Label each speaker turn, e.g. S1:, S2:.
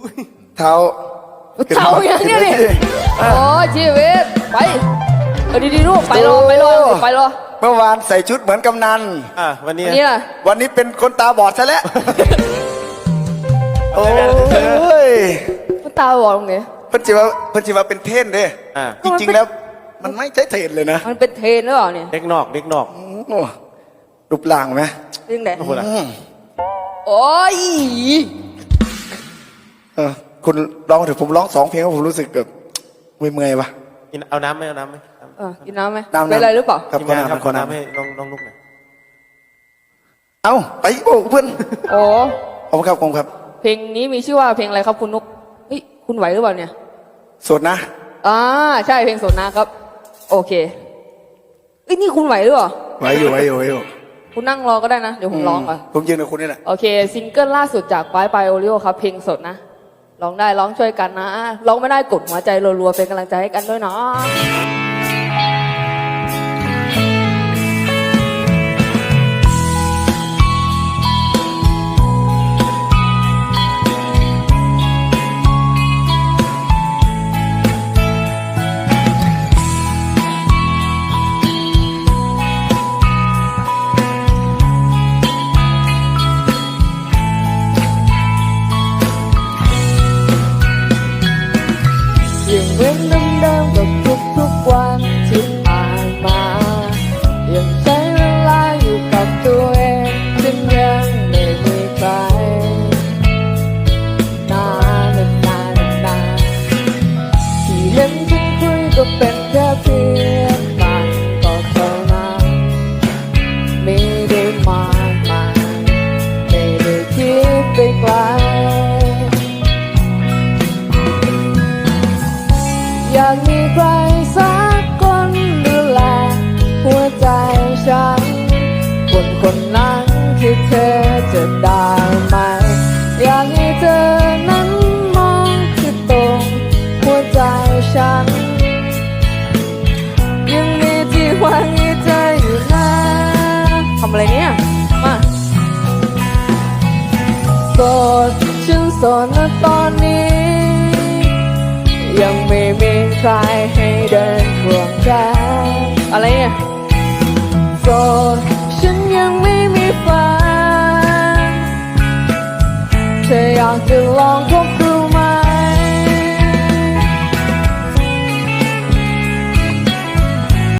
S1: เท้า
S2: เท่าอย่างเนี้ยนี่โอ้ชีวิตไปดีๆลูกไปรอไปรอ
S1: เมื่อวานใส่ชุดเหมือนกำนัน
S3: วันนี้
S2: นี่ล่ะ
S1: วันนี้เป็นคนตาบอดซะแล้ว โอ้ย
S2: ตาบอดตรงไหน
S1: เพิ่นจิว่าเป็นเทรนเด้จริงๆแล้ว มันไม่ใช่เทรนเลยนะ
S2: มันเป็นเทรนหรือเปล่าเนี่ย
S3: เด็กนอก
S1: โอ้รูปร่างไหม
S2: เรื่องไหน
S3: โอ้โหล่ะ
S2: โอ้ย
S1: คุณร้องถึงผมร้อง2 เพลงแล้วผมรู้สึกแบบเมื่อยๆวะ
S3: เอาน้ำไหมเอาน้ำไหม
S2: กินน้ำไหม
S1: น้ำ
S2: เป็นไรหรือเปล่า
S1: ครับ
S3: ทีม
S1: ขอ
S3: านครับ
S1: งน้ำ
S3: ขอน้ำให้น้องลูกหน่อย
S1: เอาไปโอ้เพื่อน
S2: โอ้
S1: ขอบคุณครับขอบคุณครับ
S2: เพลงนี้มีชื่อว่าเพลงอะไรครับคุณนุกเฮ้ยคุณไหวหรือเปล่าเนี่ย
S1: สดนะ
S2: ใช่เพลงสนนะครับ โอเคเอ้ยนี่คุณไหวหรือเปล่า
S1: ไว้อยู่
S2: คุณนั่งรอก็ได้นะเดี๋ยวผมร้องก่อน
S1: ผมยืนกับคุณนี่แหละ
S2: โอเคซิงเกิลล่าสุดจากปายโอริโอครับเพลงสดนะร้องได้ร้องช่วยกันนะร้องไม่ได้กดหัวใจรัวๆเป็นกำลังใจให้กันด้วยเนาะยังเว้นเดิมๆกับทุกวันที่ผ่านมายังใช้เวลาอยู่กับตัวเองจึงยังไม่มีใครนานที่เห็นฉันคุยก็เป็นแค่เพียงมันก็เท่านั้นไม่ได้มากมายไม่ได้คิดไปไกลอยากมีใครสักคนดูแลหัวใจฉันคนนั้นคือเธอจะได้ไหมอยากให้เธอนั้นมองที่ตรงหัวใจฉันยังมีที่หวังให้เธออยู่นะทำอะไรเนี่ยมาโสดฉันโสดนะตอนนี้ยังไม่มีใครให้เดินควงแขนอะไรเนี่ยโสดฉันยังไม่มีแฟนเธออยากจะลองคบ